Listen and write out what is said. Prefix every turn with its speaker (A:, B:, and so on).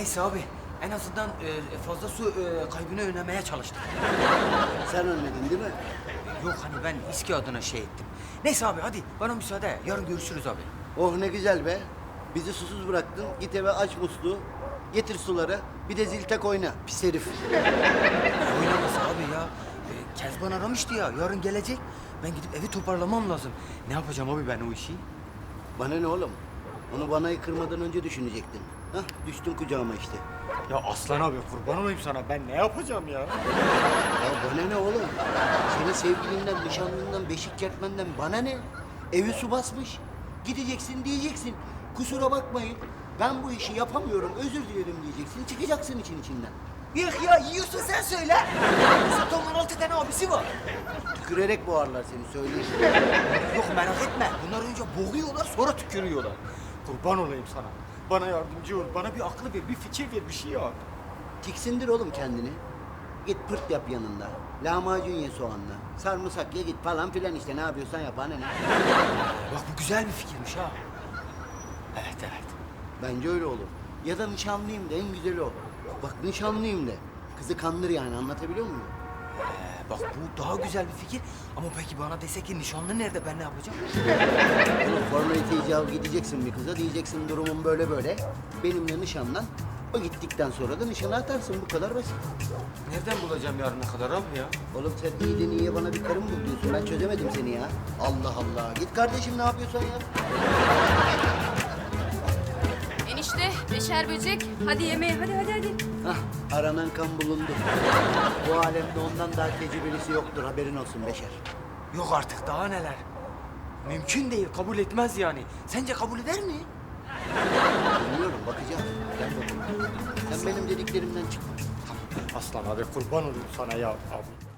A: Neyse abi, en azından fazla su kaybını önlemeye çalıştık.
B: Sen ölmedin değil mi?
A: Yok hani ben İSKİ adına şey ettim. Neyse abi hadi bana müsaade. Yarın görüşürüz abi.
B: Oh ne güzel be. Bizi susuz bıraktın. Git eve aç musluğu. Getir suları. Bir de zil tak oyna. Pis herif.
A: Oynaması abi ya. Kezban aramıştı ya. Yarın gelecek. Ben gidip evi toparlamam lazım. Ne yapacağım abi ben o işi?
B: Bana ne oğlum? Onu banayı kırmadan önce düşünecektin. Hah düştün kucağıma işte.
A: Ya Aslan abi kurban olayım sana. Ben ne yapacağım ya?
B: Ya bana ne oğlum? Senin sevgilinden, nişanlından, beşik kertmenden bana ne? Evi su basmış. Gideceksin diyeceksin. Kusura bakmayın. Ben bu işi yapamıyorum. Özür dilerim diyeceksin. Çıkacaksın için içinden.
A: Yok ya yiyorsun sen söyle. Satonun 16 tane abisi var.
B: Tükürerek boğarlar seni söyleyeyim.
A: Yok merak etme. Bunlar önce boğuyorlar sonra tükürüyorlar. Kurban olayım sana. Bana yardımcı ol. Bana bir aklı ver, bir fikir ver, bir şey yap.
B: Tiksindir oğlum kendini. Git pırt yap yanında. Lahmacun ye soğanla. Sarımsak ye git falan filan işte ne yapıyorsan yap anne.
A: Bak bu güzel bir fikirmiş ha. Evet evet.
B: Bence öyle olur. Ya da nişanlıyım de en güzeli o. Bak nişanlıyım de. Kızı kandır yani anlatabiliyor muyum?
A: Bak bu daha güzel bir fikir. Ama peki bana dese ki nişanlı nerede ben ne yapacağım?
B: Formalite icabı gideceksin bir kıza diyeceksin durumum böyle böyle. Benimle nişanlan. O gittikten sonra da nişana atarsın bu kadar basit.
A: Nereden bulacağım yarına kadar abi ya?
B: Oğlum sen iyiden iyiye bana bir karım bul diyorsun. Ben çözemedim seni ya. Allah Allah. Git kardeşim ne yapıyorsan ya.
C: Enişte, beşer böcek. Hadi yemeğe, hadi.
B: Hah, aranan kan bulundu. Bu alemde ondan daha tecrübelisi yoktur, haberin olsun Beşer.
A: Yok artık daha neler. Mümkün değil kabul etmez yani. Sence kabul eder mi?
B: Bilmiyorum, bakacağım. Gel bakalım. Sen benim dediklerimden çıkma.
A: Aslan abi kurban olayım sana ya abi.